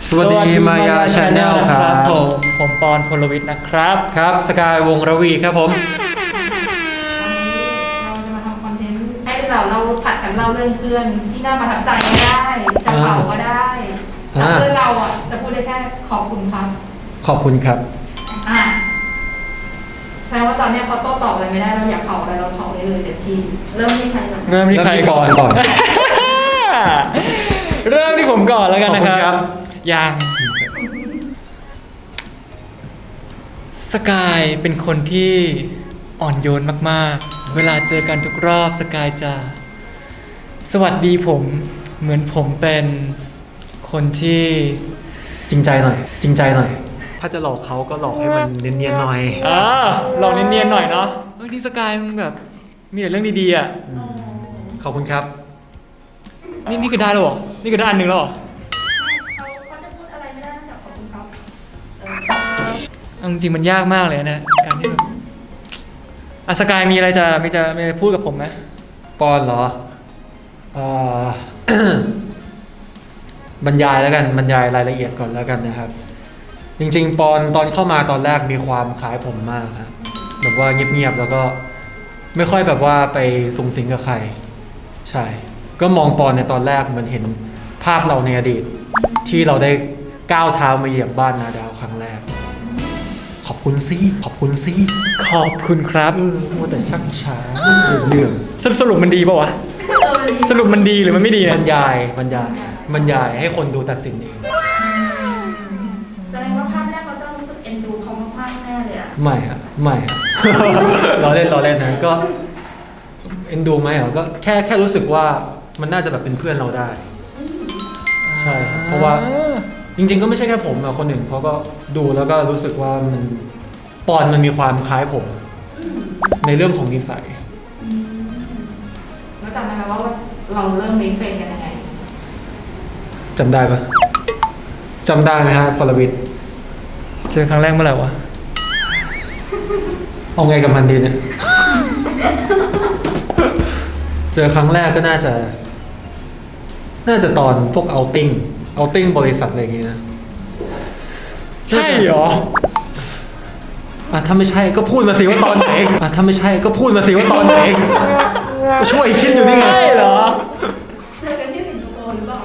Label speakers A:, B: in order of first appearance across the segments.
A: สวัสดีมายาชาแนลครับ
B: ผมปอนพลวิทย์นะครับ
A: ครับสกายวงระวีครับผม
C: วันนี้เราจะมาทำคอนเทนต์ให้เราผัดกันเล่าเรื่องเพื่อนที่น่าประทับใจก็ได้จะเผาก็ได้แต่เพื่อนเราอ่ะจะพูดได้แค่ขอบคุณครับ
A: ขอบคุณครับ
C: อ่ะแสดงว่าตอนนี้เขาโต้ตอบอะไรไม่ได้เราอยากเผาอะไรเราเผาได้เลยเต็มที่เริ่มที่ใครก่อน
B: เริ่มที่ใครก่อน เริ่มที่ผมก่อนแล้วกันนะครับยังสกายเป็นคนที่อ่อนโยนมากๆเวลาเจอกันทุกรอบสกายจะสวัสดีผมเหมือนผมเป็นคนที่
A: จริงใจหน่อยจริงใจหน่อยถ้าจะหลอกเขาก็หลอกให้มันเนียนๆหน่อย
B: หลอกเนียนๆหน่อยเนาะบางทีสกายมันแบบมีแต่เรื่องดีๆอ่ะ
A: ขอบคุณครับ
B: นี่คือได้แล้วเหรอนี่คือได้อันหนึ่งแล้วเหรอ
C: เขาจะพูดอะไรไม่ได้นอกจากขอบคุณครับ
B: จริงๆมันยากมากเลยนะการที่แบบสกายมีอะไรจะพูดกับผมไหม
A: ปอนเหรอ บรรยายแล้วกันบรรยายรายละเอียดก่อนแล้วกันนะครับจริงๆปอนตอนเข้ามาตอนแรกมีความคล้ายผมมากครับแบบว่าเงียบๆแล้วก็ไม่ค่อยแบบว่าไปสุงสิงกับใครใช่ก็มองปอนในตอนแรกมันเห็นภาพเราในอดีตที่เราได้ก้าวเท้ามาเหยียบบ้านนาดาวครั้งแรกขอบคุณซิขอบคุณซิ
B: ขอบคุณครับ
A: มัวแต่ชักช้าเรื่อง
B: สรุปมันดีป่าวะสรุปมันดีหรือมันไม่ดี
A: บรรยายให้คนดูตัดสินเอง
C: แสดงว่าภาพแรกเราต้องรู้สึกเอ็นดูเขามากๆแน่เลยอ่ะ
A: ไม่ฮะ เราเล่นนะก็เอ็นดูไหมเหรอก็แค่รู้สึกว่ามันน่าจะแบบเป็นเพื่อนเราได้ใช่เพราะว่าจริงๆก็ไม่ใช่แค่ผมอะคนหนึ่งเขาก็ดูแล้วก็รู้สึกว่ามันปอนมันมีความคล้ายผมในเรื่องของนิสัย
C: แล้วจำได้ไหมว่าเราเริ่มเมคเฟรนกันยังไง
A: จำได้ปะจำได้ไหมฮะพลวิทย์
B: เจอครั้งแรกเมื่อไหร่วะ
A: เอาไงกับมันดีเนี่ยเจอครั้งแรกก็น่าจะตอนพวกเอาติ้งบริษัทอะไรอย่างงี้นะ
B: ใช่เหรอ
A: ถ้าไม่ใช่ก็พูดมาสิว่าตอนไหนถ้าไม่ใช่ก็พูดมาสิว่าตอนไหนก็ช่วยคิดอยู่นี่ไง
B: ใช่เหรอ
C: เจอกันที่สิงคโปร์หรือเปล่า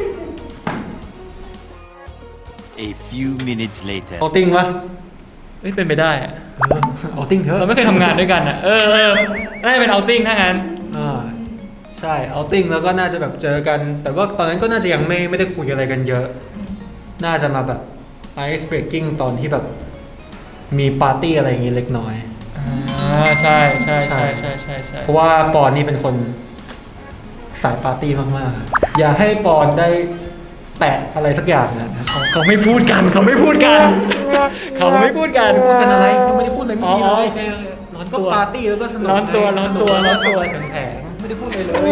D: A few minutes later
A: เอาติ้งวะ
B: ไม่เป็นไปได้อะ
A: เอาติ้งเถอะ
B: เราไม่เคยทำงานด้วยกันอ่ะน่าจะเป็นเอาติ้งถ้างั้น
A: ใช่เอาติ้งแล้วก็น่าจะแบบเจอกันแต่ว่าตอนนั้นก็น่าจะยังไม่ได้คุยอะไรกันเยอะน่าจะมาแบบ ice breaking ตอนที่แบบมีปาร์ตี้อะไรอย่างงี้เล็กน้อย
B: ใช่
A: เพราะว่าปอนนี่เป็นคนสายปาร์ตี้มากๆอย่าให้ปอนได้แตะอะไรสักอย่างนะ
B: เขาไม่พูดกันเขาไม่พูดกันพูดกัน
A: อะไรยังไม่ได้พูดอะไรไม่ดีเลย
B: ร้อน
A: ก็
B: ตัว
A: ปาร์ตี้แล้วก็สนุก
B: ร้อนตัว
A: แผงไม่ได้พูดอะไรเลย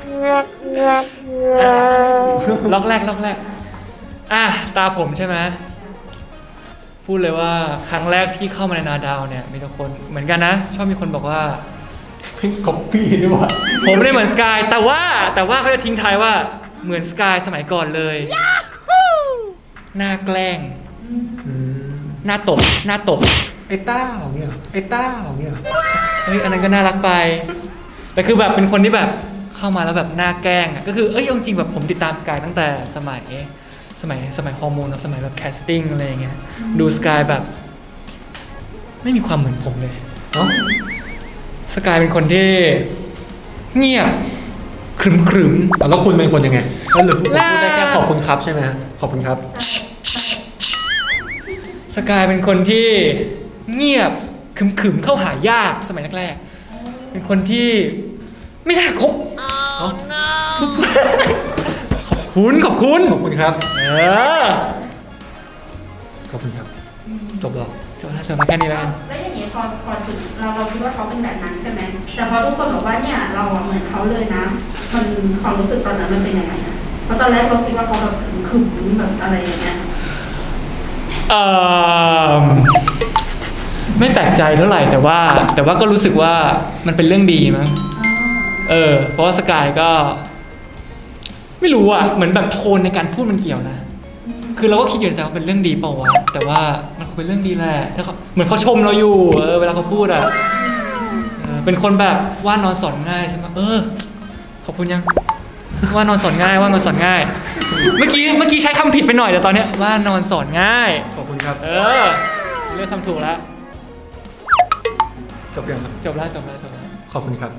B: ล็อกแรกตาผมใช่ไหมพูดเลยว่าครั้งแรกที่เข้ามาในนาดาวเนี่ยมีทุกคนเหมือนกันนะชอบมีคนบอกว่า
A: เป็นก๊อปปี้ด้วยว่ะ
B: ผมไม่ได้เหมือนสกายแต่ว่าเขาจะทิ้งท้ายว่าเหมือนสกายสมัยก่อนเลยหน้าแกล้งหน้าตบ
A: ไอ้ต้าของเนี่ยเ
B: ฮ้ยอันนั้นก็น่ารักไปแต่คือแบบเป็นคนที่แบบเข้ามาแล้วแบบหน้าแกล้งอ่ะก็คือจริงๆแบบผมติดตามสกายตั้งแต่สมัยฮอร์โมนสมัยแบบแคสติ้งอะไรอย่างเงี้ยดูสกายแบบไม่มีความเหมือนผมเลยสกายเป็นคนที่เงียบขรึม
A: แล้วคุณเป็นคนยังไงแล้วหรือพูดได้แค่ขอบคุณครับใช่ไหมฮะขอบคุณครับ
B: สกายเป็นคนที่เงียบขรึมเข้าหายากสมัยแรกๆเป็นคนที่ไม่น่าคบขอบคุณ
A: ครับ
B: ขอบคุณครับ
A: จบแล้ว
B: แค่นี้แล้วกัน
C: แล้วอย่างนี้พอถึงเราคิดว่าเขาเป็นแบบนั้นใช่ไหมแต่พอทุกคนบอกว่าเนี่ยเราเหมือนเขาเลยนะมันความรู้สึกตอนนั้นมันเป็นยังไงอะเพราะตอนแรกเราคิดว่าเขาแบบขึมแบบอะไรอย่างเงี้ย
B: ไม่แปลกใจเท่าไหร่แต่ว่าก็รู้สึกว่ามันเป็นเรื่องดีมั้งเพราะว่าสกายก็ไม่รู้อ่ะเหมือนแบบโทนในการพูดมันเกี่ยวนะคือเราก็คิดอยู่ในใจว่าเป็นเรื่องดีเปล่าวะแต่ว่ามันคงเป็นเรื่องดีแหละถ้าเขาเหมือนเขาชมเราอยู่เวลาเขาพูดอ่ะเป็นคนแบบว่านอนสอนง่ายใช่ไหมขอบคุณยังว่านอนสอนง่ายว่านอนสอนง่าย เมื่อกี้ใช้คำผิดไปหน่อยแต่ตอนเนี้ยว่านอนสอนง่าย
A: ขอบคุณครับ
B: เลือกคำถูกแล้ว
A: จบยังครับ
B: จบแล้ว
A: ขอบคุณครับ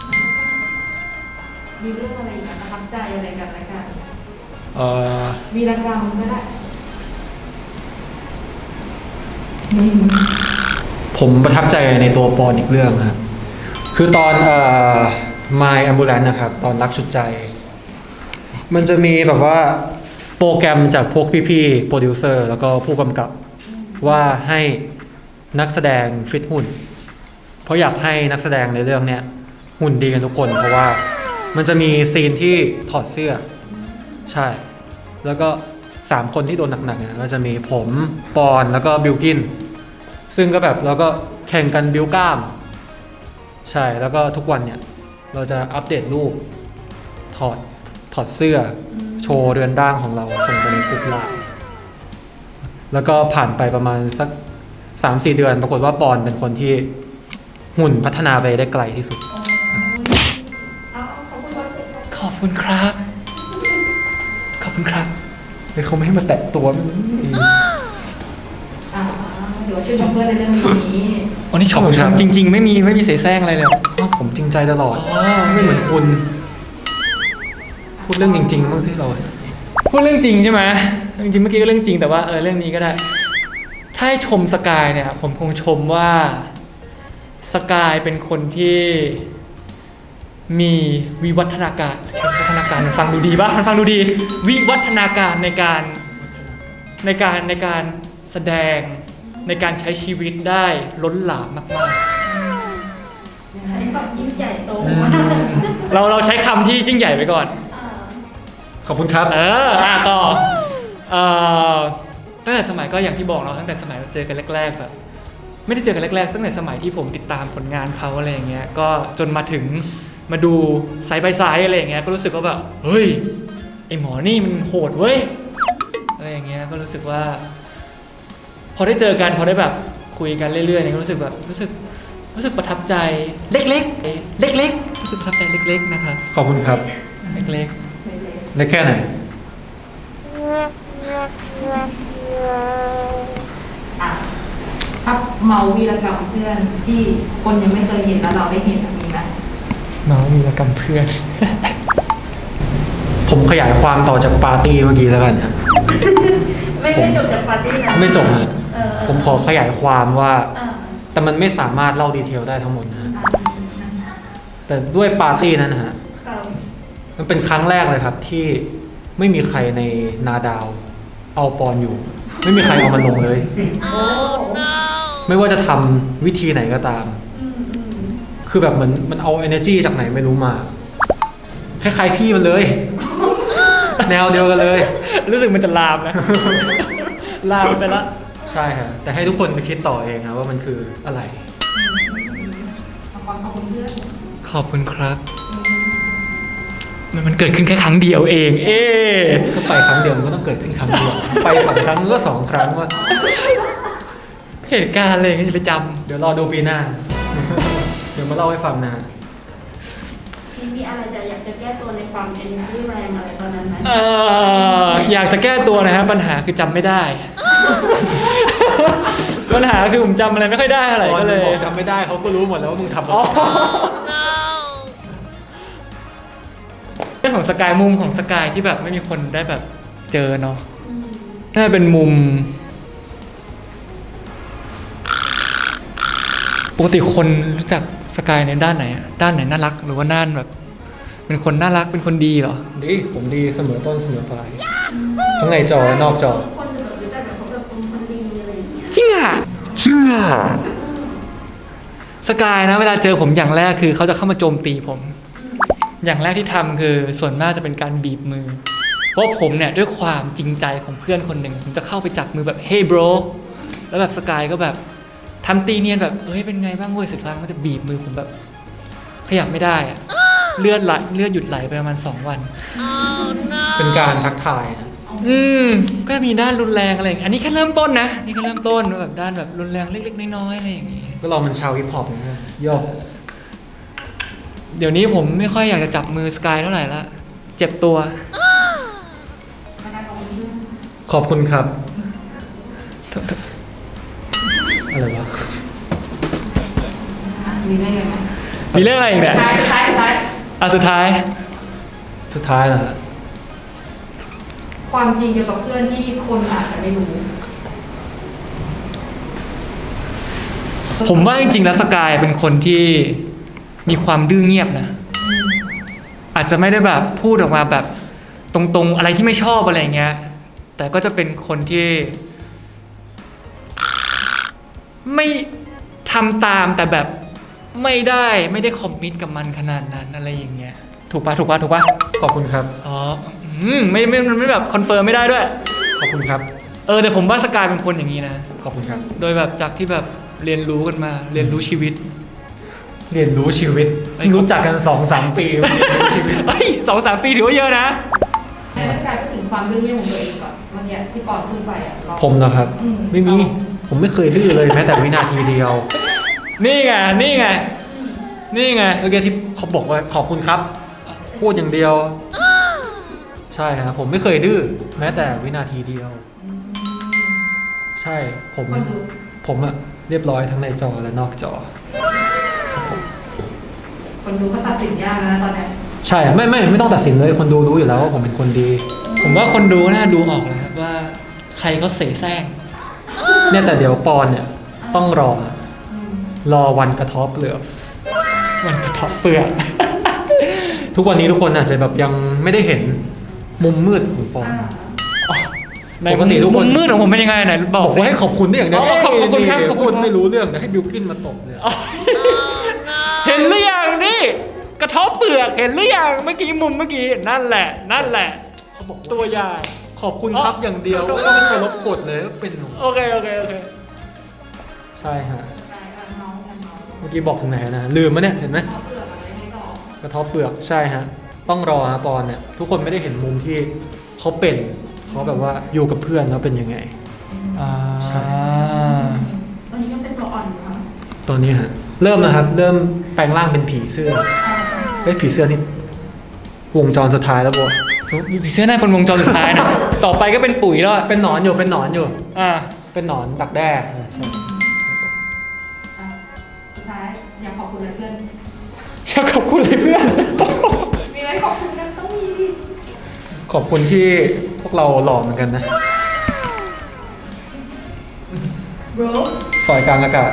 C: มีเรื่องอะไรอีกประทับใจอะไรกันละกัน
A: อ
C: วีรกรรมก็ได้
A: ผมประทับใจในตัวปอนอีกเรื่องครับคือตอนMy Ambulance นะครับ ตอนรักชุดใจ มันจะมีแบบว่าโปรแกรมจากพวกพี่ๆโปรดิวเซอร์แล้วก็ผู้กำกับว่าให้นักแสดงฟิตหุ่น เพราะอยากให้นักแสดงในเรื่องเนี้ยหุ่นดีกันทุกคน เพราะว่ามันจะมีซีนที่ถอดเสื้อ ใช่ แล้วก็3คนที่โดนหนักๆก็จะมีผมปอนแล้วก็บิลกินซึ่งก็แบบเราก็แข่งกันบิวกล้าม ใช่แล้วก็ทุกวันเนี่ยเราจะอัปเดตรูปถอดเสื้อโชว์เรือนร่างของเราส่งไปในกลุ่มไลน์แล้วก็ผ่านไปประมาณสัก 3-4 เดือนปรากฏว่าปอนเป็นคนที่หุ่นพัฒนาไปได้ไกลที่สุด
B: ขอบคุณครับ ขอบคุณครับ
A: เขาไม่ให้มาแตะตัว
C: เดี๋ยวชื่นชมเพื่อนในเรื่องนี้
B: อ๋อนี่ชม
A: ขอบคุณครับ
B: จริง ๆ ไม่มีเสแสร้งอะไรเลย
A: ผมจริงใจตลอด
B: อ๋อ
A: ไม่เหมือนคุณ พูดเรื่องจริงๆบ้างที่เรา
B: พูดเรื่องจริงใช่ไหมจริงๆเมื่อกี้ก็เรื่องจริงแต่ว่าเรื่องนี้ก็ได้ ถ้าให้ชมสกายเนี่ยผมคงชมว่าสกายเป็นคนที่มีวิวัฒนาการใช้วิวัฒนาการมันฟังดูดีปะมันฟังดูดี วิวัฒนาการในการแสดงในการใช้ชีวิตได้ล้นหลามมาก
C: อันนี้แบบยิ่งใหญ่โต
B: ๆเราใช้คำที่ยิ่งใหญ่ไปก่อน
A: ขอบคุณครับ
B: ต่อตั้งแต่สมัยก็อย่างที่บอกเราตั้งแต่สมัยเราเจอกันแรกๆแบบไม่ได้เจอกันแรกๆตั้งแต่สมัยที่ผมติดตามผลงานเขาอะไรอย่างเงี้ยก็จนมาถึงมาดูไซด์บายไซด์อะไรอย่างเงี้ยก็รู้สึกว่าแบบเฮ้ยไอหมอนี่มันโหดเว้ยอะไรอย่างเงี้ยก็รู้สึกว่า พอได้เจอกันพอได้แบบคุยกันเรื่อยๆเนี่ยก็รู้สึกแบบรู้สึกประทับใจเล็กๆรู้สึกประทับใจเล็กๆนะครับ
A: ขอบคุณครับ
B: เล็ก
A: เล็กแค่ไหน
C: ถ้าเมาวีรกรรมเพื่อนที่คนยังไม่เคยเห็นแล้วเราได้เห็นมีไหม
B: ๆเมามีรกรรมเพื่อน
A: ผมขยายความต่อจากปาร์ตี้เมื่อกี้แล้วกันนะ
C: ไม่จบจากปาร์ตี้นะ
A: ไม่จบนะผมขอขยายความว่า
C: อ่า
A: แต่มันไม่สามารถเล่าดีเทลได้ทั้งหมดนะ แต่ด้วยปาร์ตี้นั้นนะฮะ
C: ครับ
A: มันเป็นครั้งแรกเลยครับที่ไม่มีใครในนาดาว เอาปอนอยู่ ไม่มีใครเอามันลงเลย
C: โอ้
A: ไม่ว่าจะทำวิธีไหนก็ตาม คือแบบมันเอา energy จากไหนไม่รู้มา คล้ายๆพี่มันเลย แนวเดียวกันเลย
B: รู้สึกมันจะลามนะ ลามไปละ
A: ใช่ฮะแต่ให้ทุกคนไปคิดต่อเองนะว่ามันคืออะไร
C: ขอบคุณเพื่อน
B: ขอบคุณครับ มันเกิดขึ้นแค่ครั้งเดียวเอง
A: ก็ไปครั้งเดียวมันก็ต้องเกิดขึ้นครั้งเดียว ไป2 ครั้งก็2 ครั้งว่า
B: เหตุการณ์อะไรอย่างเงี้ยจะไปจ
A: เดี๋ยวรอดูปีหน้า เดี๋ยวมาเล่าให้ฟังนะ
C: มีอะไรอยากจะแก้ตัวในความ energy แรงอะไรตอนนั้นไหม
B: ำอยากจะแก้ตัวนะฮะปัญหาคือจำไม่ได้ ปัญหาคือผมจำอะไรไม่ค่อยได้เท่าไหร่
A: ตอน
B: ก็
A: มึ
B: เล
A: ง
B: ย
A: บอกจำไม่ได้เขาก็รู้หมดแล้วว่ามึงทำอะไร
B: อ๋อเรื่องของสกายมุมของสกายที่แบบไม่มีคนได้แบบเจอเนาะน่าจะเป็นมุม ปกติคนรู้จักสกายในด้านไหนอะด้านไหนน่ารักหรือว่าด้านแบบ เป็นคนน่ารักเป็นคนดีเหรอ
A: ดีผมดีเสมอต้นเสมอปลายทั้งในจอและนอกจอ
C: คนแบบรู้จักแบบเขาแบบเป็นคนดีอะไรอย่างเงี้ย
B: จริงอ่ะสกายนะเวลาเจอผมอย่างแรกคือเขาจะเข้ามาโจมตีผม อย่างแรกที่ทำคือส่วนมากจะเป็นการบีบมือ เพราะผมเนี่ยด้วยความจริงใจของเพื่อนคนหนึ่งผมจะเข้าไปจับมือแบบ hey bro แล้วแบบสกายก็แบบทำตีเนียนแบบเฮ้ยเป็นไงบ้างเว้ยสุดท้ายมันก็จะบีบมือผมแบบขยับไม่ได้อะเลือดหยุดไหลไปประมาณ2 วัน
A: เป็นการทักทายนะ
C: อ๋อ
B: ก็มีด้านรุนแรงอะไรอย่างเงี้ยอันนี้แค่เริ่มต้นนะนี่แค่เริ่มต้นแบบด้านแบบรุนแรงเล็กๆน้อยๆอะไรอย่างงี้
A: ก็เรามันชาวฮิปฮอปนะย่อ
B: เดี๋ยวนี้ผมไม่ค่อยอยากจะจับมือสกายเท่าไหร่ละเจ็บตัว
A: ขอบคุณครับ อะไรวะ
C: มีได้ยังไง
B: มีเรื่องอะไรอีกเนี่ย
C: ท้าย
B: สุดท้าย
A: สุดท้ายแล้วฮะ
C: ความจริงเกี่ยวกับเพื่อนที่คนอาจจะไม่รู้
B: ผมว่าจริงๆแล้วสกายเป็นคนที่มีความดื้อเงียบนะ อาจจะไม่ได้แบบพูดออกมาแบบตรงๆอะไรที่ไม่ชอบอะไรเงี้ย แต่ก็จะเป็นคนที่ไม่ทำตามแต่แบบไม่ได้คอมมิตกับมันขนาดนั้นอะไรอย่างเงี้ย ถูกปะ
A: ขอบคุณครับ
B: อ๋อไม่แบบคอนเฟิร์มไม่ได้ด้วย
A: ขอบคุณครับ
B: แต่ผมว่าสกายเป็นคนอย่างนี้นะ
A: ขอบคุณครับ
B: โดยแบบจากที่แบบเรียนรู้กันมา เรียนรู้ชีวิต
A: เรียนรู้ชีวิต รู้จักกัน 2-3 ปีเรียนรู้ชีวิต
B: เฮ้ย2-3 ปีถือว่าเยอะนะ
C: แล้วกายพูดถึงความดื้อเงี่ยของตัวเองก่อนเมื่อกี้ที่ปอนพูดไปอ่ะเรา
A: ผมนะครับ ไม่มี ผมไม่เคยดื้อเลยแม้แต่วินาทีเดียว
B: นี่ไง
A: เมื่อกี้ที่เขาบอกว่าขอบคุณครับ พูดอย่างเดียว ใช่ครับผมไม่เคยดื้อแม้แต่วินาทีเดียว ใช่ผมอะเรียบร้อยทั้งในจอและนอกจอ
C: คนดูก็ตัดสินยากนะตอนนี้
A: ใช่ไม่ต้องตัดสินเลยคนดูรู้อยู่แล้วว่าผมเป็นคนดี
B: ผมว่าคนดูน่าดูออกเลยครับว่าใครเขาเสแสร้ง
A: เนี่ยแต่เดี๋ยวปอนเนี่ยต้องรอวันกระเทบเปลือก
B: มันกระเทบเปลือก
A: ทุกวันนี้ทุกคนอาจจะแบบยังไม่ได้เห็นมุมมืดของปอน
B: ใน
A: ปกติทุกคน
B: มุมมืดของผมเป็นยังไงไหนบบ อ
A: อก ก
B: สิ
A: ว่าให้ขอบคุณได้อย่างเดียว
B: อ๋อขอบคุณครับ
A: นี่
B: ขอบคุณ
A: พูดไม่รู้เรื่องเดี๋ยวให้บิวกินมาตบเลย
B: เห็นหรือยังนี่กระเทบเปลือกเห็นหรือยังเมื่อกี้มุมเมื่อกี้นั่นแหละ
A: เขาบอก
B: ตัวอย่าง
A: ขอบคุณครับอย่างเดียว
B: อ๋อ
A: ก็ไม่เคยลบกดเลยเป็นหนู
B: โอเค
A: ใช่ฮะเมื่อกี้บอกถึงไหนนะลืมมะเนี่ยเห็นไหมกระเทบเปลือกใช่ฮะต้องรอฮะปอนเนี่ยทุกคนไม่ได้เห็นมุมที่เขาเป็นเขาแบบว่าอยู่กับเพื่อนแล้วเป็นยังไง ใช่
C: ตอนนี้ยังเป็นตัวอ่อนอยู่ค่ะ
A: ตอนนี้ฮะเริ่มนะครับ เริ่มแปลงร่างเป็นผีเสื้อผีเสื้อนี่วงจรสุดท้ายแล้วบัว
B: ผีเสื้อหน้าเป็นวงจรสุดท้ายนะ ต่อไปก็เป็นปุ๋ยแล้วอะ
A: เป็นหนอนอยู่เป็นหนอนอยู่
B: อ่า
A: เป็นหนอนดักแด้ใช่
C: สุดท้ายอยากขอบคุณเพื่อน
B: อยากขอบคุณเลยเพื่อน
C: มีอะไรขอบคุณกันต้องมีดิ
A: ขอบคุณที่พวกเราหล่อเหมือนกันนะ
C: โบร
A: ปล่อยกลางอากาศ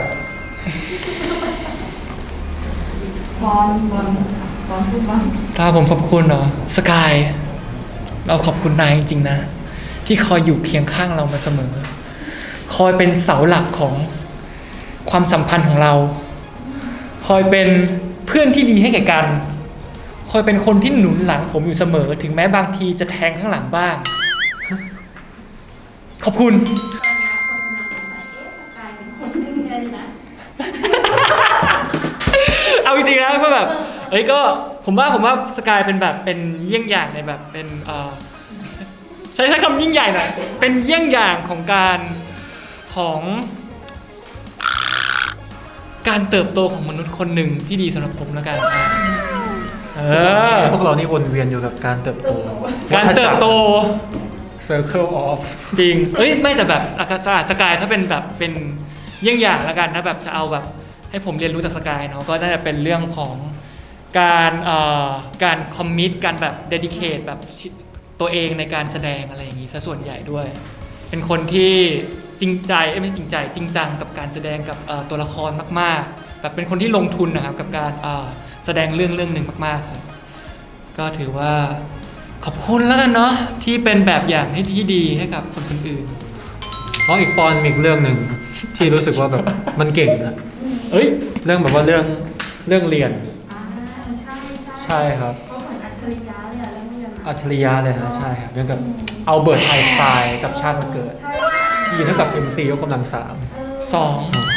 C: บอลพูดบ้าง
B: ถ้าผมขอบคุณเนาะสกายเราขอบคุณนายจริงๆนะ ที่คอยอยู่เคียงข้างเรามาเสมอ คอยเป็นเสาหลักของความสัมพันธ์ของเรา คอยเป็นเพื่อนที่ดีให้แก่กัน คอยเป็นคนที่หนุนหลังผมอยู่เสมอ ถึงแม้บางทีจะแทงข้างหลังบ้าง ขอบคุณ
C: ตอนนี้คนกำลังสงสัยสกายเป็นคนดื้อไงนะ
B: เอาจริงๆนะก็แบบก็ผมว่าสกายเป็นแบบเป็นเยี่ยงอย่างในแบบเป็นใช้คำยิ่งใหญ่หน่อยเป็นเยี่ยงอย่างของการเติบโตของมนุษย์คนหนึ่งที่ดีสำหรับผมแล้วกัน
A: พวกเรานี่วนเวียนอยู่กับการเติบโต
B: การเติบโต
A: Circle of
B: จริงไม่แต่แบบสกายถ้าเป็นแบบเป็นเยี่ยงอย่างแล้วกันนะแบบจะเอาแบบให้ผมเรียนรู้จากสกายเนาะก็น่าจะเป็นเรื่องของการคอมมิตการแบบเดดิเคทแบบตัวเองในการแสดงอะไรอย่างนี้ซะส่วนใหญ่ด้วย เป็นคนที่จริงใจไม่ใช่จริงใจจริงจังกับการแสดงกับตัวละครมากๆแบบเป็นคนที่ลงทุนนะครับกับการแสดงเรื่องหนึ่งมากๆครับก็ถือว่าขอบคุณแล้วกันเนาะที่เป็นแบบอย่างที่ดีให้กับคนอื่น
A: เพราะอีกปอนมีอีกเรื่องหนึ่งที่รู้สึกว่าแบบมันเก่งนะ เรื่องแบบว่าเรื่องเรียน ใช่ครับ
C: เขาเหมือนอัจฉริยะเลยอะเรื่องนี้นะ
A: อัจฉริยะเลยนะใช่ครับเรื่องกับอัลเบิร์ตไอน์สไตน์กับชาติมาเกิด ที่เท่ากับ MC ยกกำลัง
B: สอง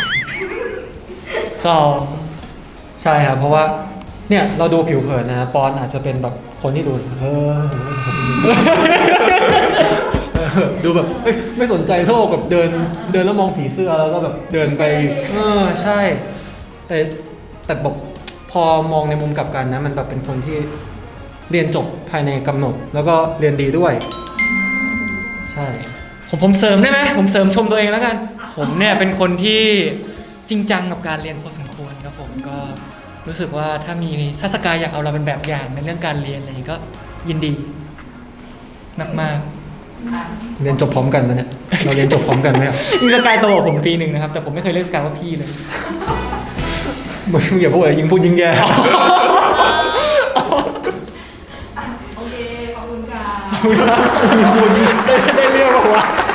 A: ใช่ครับเพราะว่าเนี่ยเราดูผิวเผินนะปอนอาจจะเป็นแบบคนที่ดูดูแบบเอ้ยไม่สนใจโลกแบบเดินแล้วมองผีเสื้อแล้วก็แบบเดินไปใช่ แต่บอกพอมองในมุมกลับกันนะมันแบบเป็นคนที่เรียนจบภายในกำหนด แล้วก็เรียนดีด้วย ใช่
B: ผมเสริมได้ไหมผมเสริมชมตัวเองแล้วกัน ผมเนี่ยเป็นคนที่จริงจังกับการเรียนพอสมควรครับผมก็รู้สึกว่าถ้ามีซัสกายอยากเอาเราเป็นแบบอย่างในเรื่องการเรียนอะไรอย่างนี้ก็ยินดีมาก
A: เรียนจบพร้อมกันนะเนี่ยเราเรียนจบพร้อมกันไหมอะ
B: ๆนี่สกายโตกว่าผมปีหนึ่งนะครับแต่ผมไม่เคยเรียกสกายว่าพี่เลย
A: มึงอย่าพูดอะไรยิ่งพูดยิ่งแย่
C: โอเค ขอบคุณค่ะ
B: ได้เรียกว่า